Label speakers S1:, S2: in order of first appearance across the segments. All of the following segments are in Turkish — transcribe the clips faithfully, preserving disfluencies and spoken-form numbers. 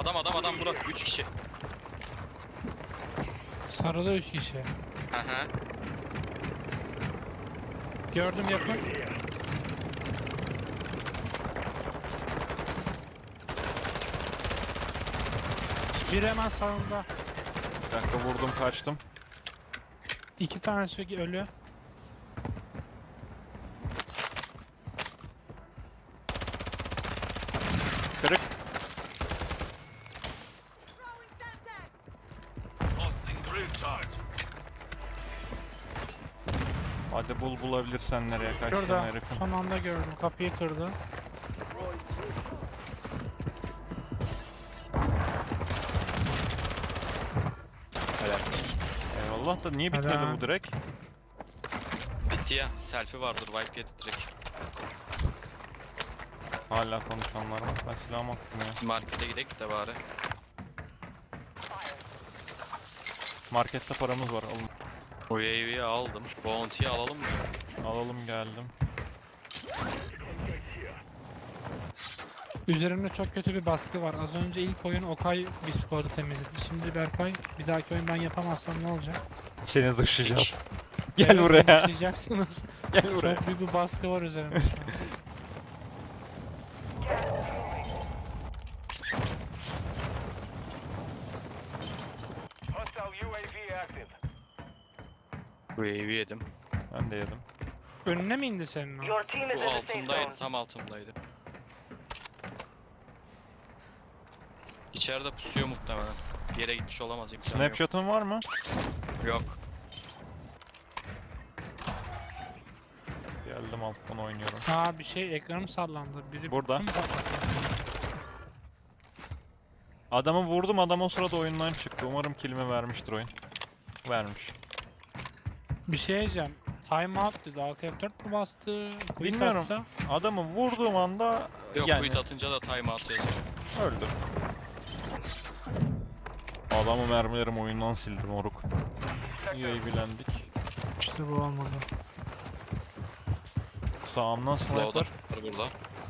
S1: Adam adam adam bura. üç kişi.
S2: Sarıda üç kişi.
S1: Hı hı.
S2: Gördüm yakın. Bir hemen sağında.
S3: Bir dakika vurdum kaçtım.
S2: İki tanesi ölü.
S3: Kırık. Hadi bul bulabilirsen nereye kaçtın
S2: Şurada.
S3: herifin.
S2: Son anda gördüm. Kapıyı kırdı.
S3: Helal. Eyvallah da niye bitmedi
S2: Helal.
S3: bu direkt?
S1: Bitti ya. Selfie vardır. Wipe yedi direkt.
S3: Hala konuşanlar var. Ben silahımı attım ya.
S1: Markete gidelim de bari.
S3: Markette paramız var. Alın.
S1: O U A V'yi aldım. Bounty'yi alalım mı?
S3: Alalım geldim.
S2: Üzerimde çok kötü bir baskı var. Az önce ilk oyun Okay bir skoru temizledi. Şimdi Berkay, bir dahaki oyun ben yapamazsam ne olacak?
S3: Seni dışlayacağız. Gel
S2: Evet,
S3: buraya.
S2: yaşayacaksınız.
S3: Gel buraya.
S2: Çok büyük bir baskı var üzerimde şu an.
S1: U A V yedim.
S3: Ben de yedim.
S2: Önüne mi indi senin o?
S4: Your team is
S1: Bu
S4: in the safe
S1: altımdaydı.
S4: zone.
S1: Tam altımdaydı. İçeride pusuyor muhtemelen. Bir yere gitmiş olamaz. imkanı yok.
S3: Snapshot'un var mı?
S1: Yok.
S3: Geldim alttan oynuyorum.
S2: Aa bir şey ekranım sallandı. Biri
S3: Burada.
S2: Kim patladı?
S3: Adamı vurdum, adam o sırada oyundan çıktı. Umarım kilimi vermiştir oyun. Vermiş.
S2: Bir şey diyeceğim. Time out dedi. Alt F dört mü bastı? Quick
S3: Bilmiyorum.
S2: atsa?
S3: Adamı vurduğum anda
S1: Yok
S3: yani
S1: quit atınca da timeout yazıyor.
S3: öldü. Adamı mermilerim oyundan sildim moruk. İyi bilendik.
S2: İşte bu olmadı.
S3: Sağımdan
S1: Loader
S3: sniper.
S1: var burada.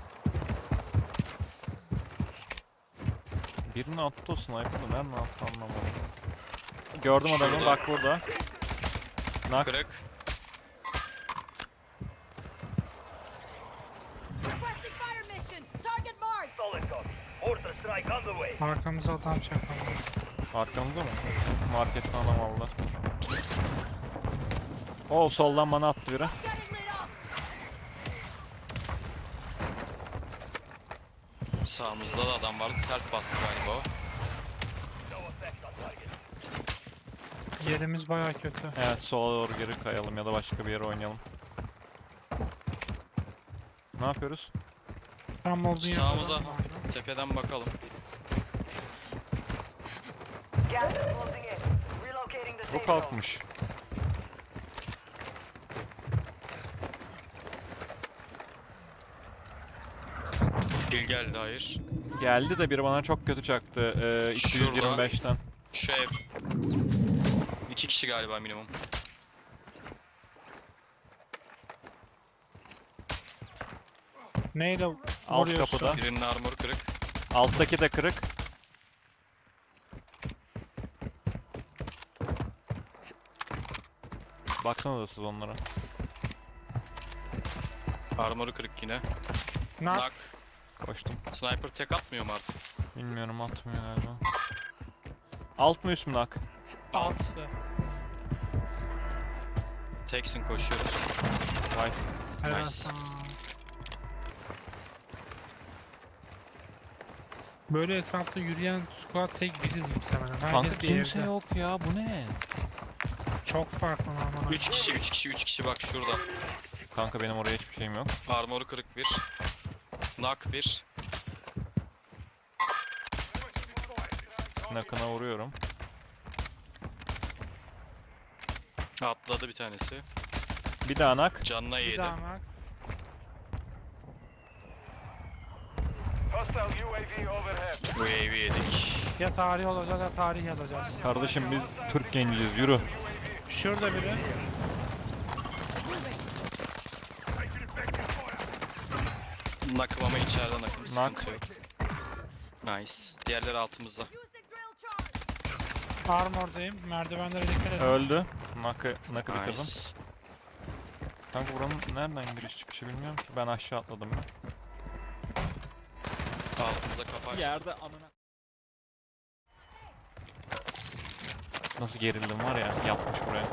S3: Birini attı o sniper da nereden attı anlamadım. Gördüm adamı
S1: Şurada.
S3: bak burada. Nak.
S1: Kırık.
S5: Requesting fire mission. Target marked.
S4: Solid copy. Mortar strike on the way.
S2: Arkamıza adam çakalım.
S3: Arkamızda mı? Marketten adam aldılar. O soldan bana attı biri.
S5: Getting lit up.
S1: Sağımızda da adam vardı. Sert bastı galiba o.
S4: No effect on target.
S2: Yerimiz baya kötü.
S3: Evet sola doğru geri kayalım ya da başka bir yere oynayalım. Ne yapıyoruz?
S2: Tam olduğun yerde
S1: Sağımıza
S2: adam vardı.
S1: tepeden bakalım.
S4: Gas is closing in. Relocating the
S3: Bu
S4: safe zone.
S3: kalkmış.
S1: Kill geldi hayır.
S3: Geldi de biri bana çok kötü çaktı. Ee, iki yüz yirmi beşten.
S1: Şu ev. İki kişi galiba minimum.
S2: Neyle
S3: Alt
S2: vuruyorsun?
S3: kapıda.
S1: Birinin armoru kırık.
S3: Alttaki de kırık. Baksanıza siz onlara.
S1: Armoru kırık yine.
S2: Nak.
S1: Nak.
S3: Koştum.
S1: Sniper tek atmıyor mu artık?
S3: Bilmiyorum atmıyor galiba. Alt mı üst mü nak?
S2: Altı.
S1: Teksin koşuyoruz.
S3: Vay.
S2: Helal
S1: Nice.
S2: sana. Böyle etrafta yürüyen squad tek biziz muhtemelen. Herkes
S3: Kanka
S2: bir
S3: kimse
S2: evde.
S3: yok ya bu ne?
S2: Çok farklı normal.
S1: Üç kişi, üç kişi, üç kişi bak şurada.
S3: Kanka benim oraya hiçbir şeyim yok.
S1: Armoru kırık bir. Nak bir.
S3: Nakına vuruyorum.
S1: Atladı bir tanesi.
S3: Bir daha nak.
S1: Canına
S2: Bir
S1: yedi.
S2: daha nak.
S4: Hostile U A V overhead.
S1: U A V yedik.
S2: Ya tarih olacağız ya tarih yazacağız.
S3: Kardeşim biz Türk genciyiz yürü.
S2: Şurada biri.
S1: Nakım ama içeriden nakım. Sıkıntı yok. Nice. Diğerleri altımızda.
S5: Use the drill charge.
S2: Armor'dayım. Merdivenlere dikkat edin.
S3: Öldü. Nakı, nakı bir kızım.
S1: Nice.
S3: Kanka buranın nereden giriş çıkışı bilmiyorum ki. Ben aşağı atladım ya.
S1: Altımızda kapı açtı.
S3: Yerde amına. Nasıl gerildim var ya, yapmış buraya.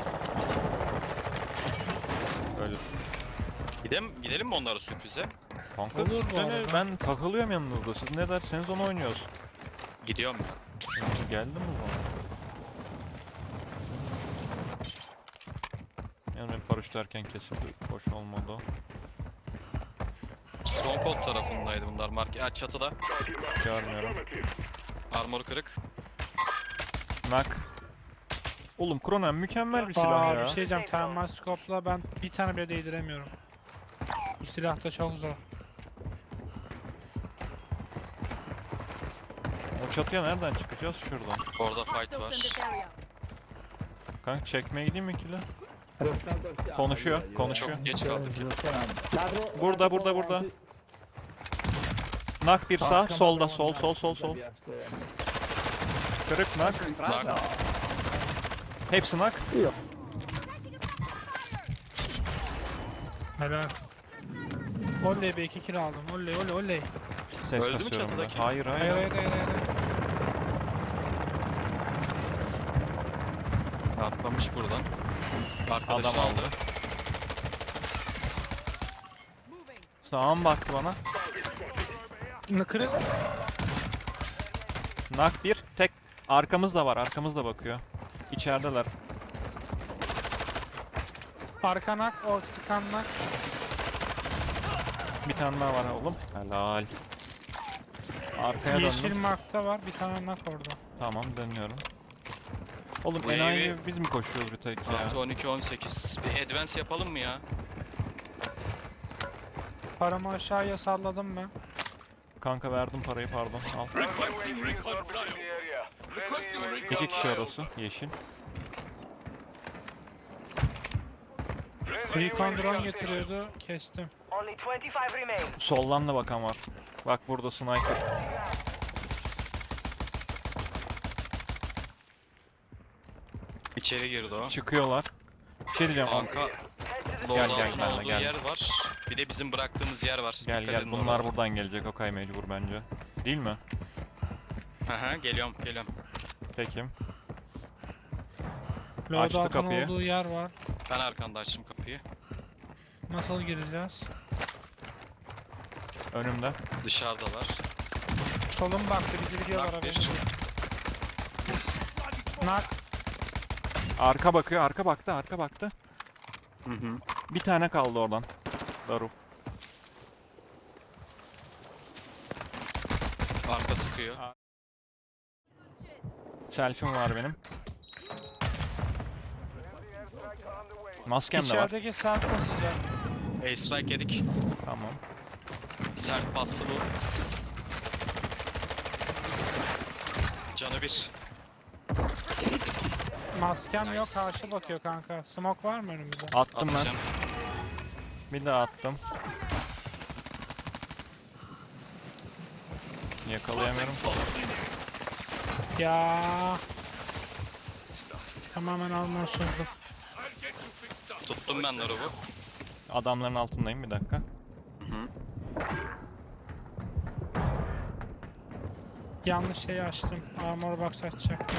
S3: Öyle.
S1: Gidelim, gidelim mi onlara sürprize?
S3: Kanka
S2: Olur bu
S3: seni-
S2: arada.
S3: ben takılıyorum yanınızda. Siz ne derseniz onu oynuyoruz.
S1: Gidiyorum ben.
S3: Geldi mi bu? Yani benim paraşütlerken kesildi. Hoş olmadı o.
S1: Stronghold tarafındaydı bunlar. Mark ya çatıda.
S3: Görmüyorum.
S1: Armor kırık.
S3: Nak. Oğlum Kronen mükemmel bir silah
S2: Aa,
S3: ya.
S2: bir şey diyeceğim. Thermal scope'la ben bir tane bile değdiremiyorum. Bu silah da çok zor.
S3: O çatıya nereden çıkacağız? Şuradan.
S1: Orada fight
S5: Hostiles in this
S1: var.
S5: area.
S3: Kanka çekmeye gideyim mi ikili? Konuşuyor, konuşuyor.
S1: Çok geç kaldık ya.
S3: Burada, burada, burada. Nak bir sağ, solda, sol, sol, sol, sol. Kırık nak.
S1: Nak.
S3: Hepsi nak.
S2: Helal. Oley be iki kill aldım. Oley oley oley.
S3: Ses
S1: Öldü mü
S3: kasıyorum ben.
S1: çatıdaki?
S3: Hayır, hayır.
S2: Hayır hayır hayır hayır.
S1: Atlamış buradan. Arkadaşı
S3: Adam aldı.
S5: Moving.
S3: Sağım baktı bana.
S2: Ne kırık?
S3: Nak bir, tek. Arkamız da var, arkamız da bakıyor. İçerideler.
S2: Arkanak, o sıkannak.
S3: Bir tane daha var oğlum. Helal. Arkaya
S2: Yeşil
S3: döndüm.
S2: markta var. Bir tane nak orada.
S3: Tamam, dönüyorum. Oğlum
S1: Bu
S3: enayi
S1: evi-
S3: biz mi koşuyoruz bir tek ya?
S1: Artı on iki on sekiz. Bir advance yapalım mı ya?
S2: Paramı aşağıya salladım ben.
S3: Kanka verdim parayı, pardon. Al. İki kişi orası. Yeşil.
S2: Recon drone getiriyordu. Kestim.
S4: Only twenty-five remain.
S3: Soldan da bakan var. Bak burada sniper.
S1: İçeri girdi o.
S3: Çıkıyorlar. Bir şey diyeceğim.
S1: Kanka
S4: Head to the
S3: Gel,
S1: loadout'un
S3: gel,
S1: olduğu
S3: gel.
S1: yer var. Bir de bizim bıraktığımız yer var.
S3: Gel
S1: Dikkat
S3: gel,
S1: edin
S3: bunlar
S1: oralara.
S3: buradan gelecek. Okay mecbur bence. Değil mi?
S1: Hı hı, geliyorum geliyorum.
S3: Pekim.
S2: Loadout'un
S3: kapıyı.
S2: olduğu yer var.
S1: Ben arkanda açtım kapıyı.
S2: Nasıl gireceğiz?
S3: Önümde.
S1: Dışarıdalar.
S2: Solum baktı. Bizi biliyorlar
S1: Nak
S2: haberin
S1: bir.
S2: yok. Nak.
S3: Arka bakıyor. Arka baktı. Arka baktı.
S1: Hı hı.
S3: Bir tane kaldı oradan. Daruf.
S1: Arka sıkıyor.
S5: Good shit.
S3: Selfie'm var benim. Maskem de var.
S2: İçerideki self basacak.
S1: Ace strike yedik.
S3: Tamam.
S1: Sert bastı bu. Canı bir.
S2: Maskem yok.
S1: Nice.
S2: Karşı bakıyor kanka. Smoke var mı önümüzde?
S3: Attım ben.
S1: Atacağım.
S3: Bir daha attım. Yakalayamıyorum.
S2: Ya. Tamamen almorsuzluk.
S1: Tuttum ben Naruv'u.
S3: Adamların altındayım, bir dakika.
S1: Hı.
S2: Yanlış şeyi açtım. Armor box açacaktım.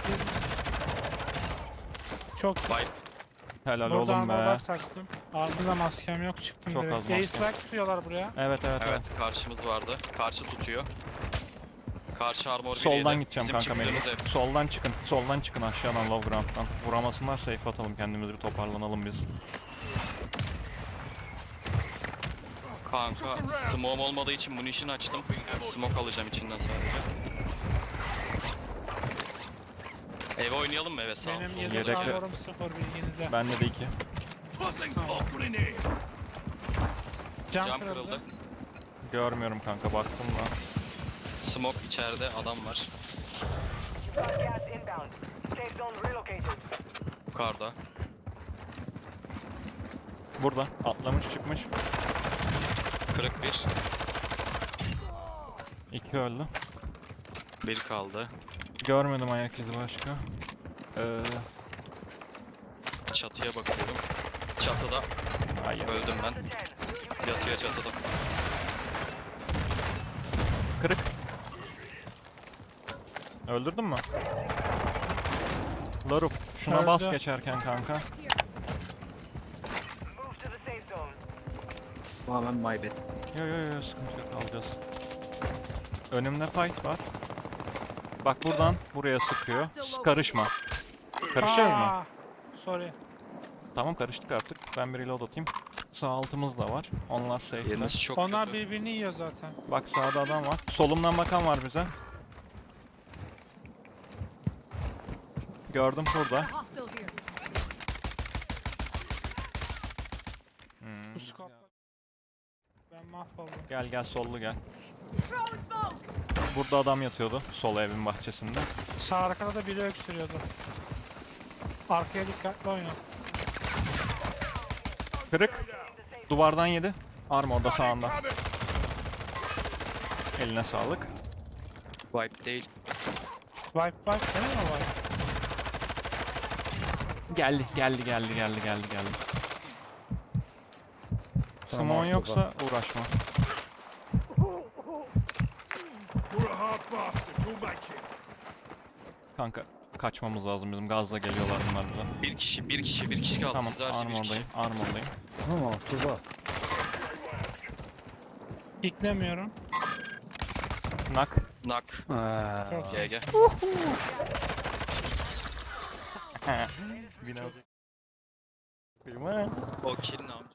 S2: Çok
S1: Vibe.
S3: Helal
S2: Burada
S3: oğlum
S2: armor
S3: be.
S2: box açtım. Ardında maskem yok, çıktım
S3: Çok
S2: direkt.
S3: az maskem.
S2: Ace strike tutuyorlar buraya.
S3: Evet evet evet.
S1: Evet karşımız vardı. Karşı tutuyor. Karşı armor
S3: Soldan
S1: biriydi.
S3: gideceğim
S1: Bizim
S3: kanka benim.
S1: çıktığımız ev.
S3: Soldan çıkın. Soldan çıkın aşağıdan low ground'dan. Vuramasınlar, safe atalım kendimizi, bir toparlanalım biz.
S1: Kanka smoke olmadığı için munition açtım. Smoke alacağım içinden sadece. Eve oynayalım mı eve sağ ol.
S2: Benim
S1: sol.
S2: yedek
S3: Yedek-
S2: armorum sıfır bilginizde.
S3: Bende de iki.
S2: Cam,
S1: Cam
S2: kırıldı.
S1: kırıldı.
S3: Görmüyorum kanka, baktım da.
S1: Smoke içeride adam var.
S4: Got gas inbound. Safe zone relocated.
S1: Yukarıda.
S3: Burada atlamış çıkmış.
S1: Kırık bir.
S3: İki öldü.
S1: Bir kaldı.
S3: Görmedim ayak izi başka. Ee,
S1: Çatıya bakıyorum. Çatıda.
S3: hayır.
S1: Öldüm ben. Yatıyor çatıda.
S3: Kırık. Öldürdün mü? Larup, şuna bas
S2: Öldü.
S3: geçerken kanka.
S5: Next here.
S4: Move to the safe zone.
S6: Tamamen my bad.
S3: Yo yo yo sıkıntı yok, alacağız. Önümde fight var. Bak buradan buraya sıkıyor. S- Karışma. Karışacağız mı?
S2: Aa, Sorry.
S3: Tamam karıştık artık. Ben bir reload atayım. Sağ altımız da var. Onlar safe'ler.
S1: Yeriniz çok
S2: Onlar
S1: kötü.
S2: birbirini yiyor zaten.
S3: Bak sağda adam var. Solumdan bakan var bize. Gördüm burada.
S5: Hostile here.
S3: Hmm.
S2: Bu scope'la ben mahvoldum.
S3: Gel gel sollu gel.
S5: Throwing smoke.
S3: Burada adam yatıyordu. Sol evin bahçesinde.
S2: Sağ arkada da biri öksürüyordu. Arkaya dikkatli oyna.
S3: Kırık. Duvardan yedi. Armor da sağında. Eline sağlık.
S1: Wipe değil.
S2: Wipe wipe değil mi o wipe?
S3: Geldi, geldi, geldi, geldi, geldi, geldi.
S6: Tamam,
S3: Simon
S6: baba.
S3: yoksa uğraşma. Kanka kaçmamız lazım bizim. Gazla geliyorlar bunlar bize.
S1: Bir kişi, bir kişi, bir kişi kaldı.
S3: Tamam,
S1: Siz harici bir kişi.
S3: armordayım, armordayım.
S6: Tamam Tuba.
S2: İklemiyorum.
S3: Nak.
S1: Nak.
S6: Aa,
S2: Çok
S1: G G.
S3: Biraz. Kıyma.
S1: O kill ne yapacak?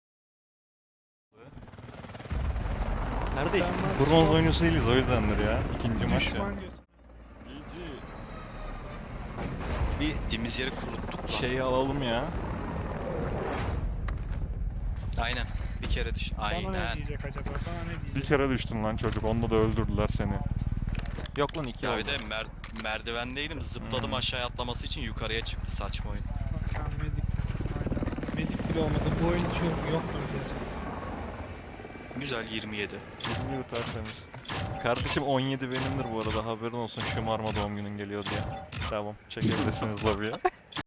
S3: Neredeyim?
S2: Ben
S3: Bronz
S2: çok-
S3: oyuncusu değiliz o yüzdendir ya. İkinci maç ya.
S2: Düşman götü.
S1: Bir dimiz yeri kuruttuk lan.
S3: Şeyi alalım ya.
S1: Aynen. Bir kere düş.
S2: Bana ne
S1: Aynen.
S2: diyecek acaba? Bana ne diyecek?
S3: Bir kere düştün lan çocuk. Onda da öldürdüler seni. Yok lan iki
S1: Ya
S3: oldu.
S1: bir de mer merdivendeydim. Zıpladım
S3: Hmm.
S1: aşağıya atlaması için yukarıya çıktı saçma oyun.
S2: Bak ben medik. Aynen. Medik bile olmadı. Bu oyun hiç yok, yok mu diyeceğiz.
S1: Güzel yirmi yedi.
S3: Bilmiyor tertemiz. Kardeşim on yedi benimdir bu arada, haberin olsun, şımarma doğum günün geliyor diye. Tamam, çekebilirsiniz lobiye.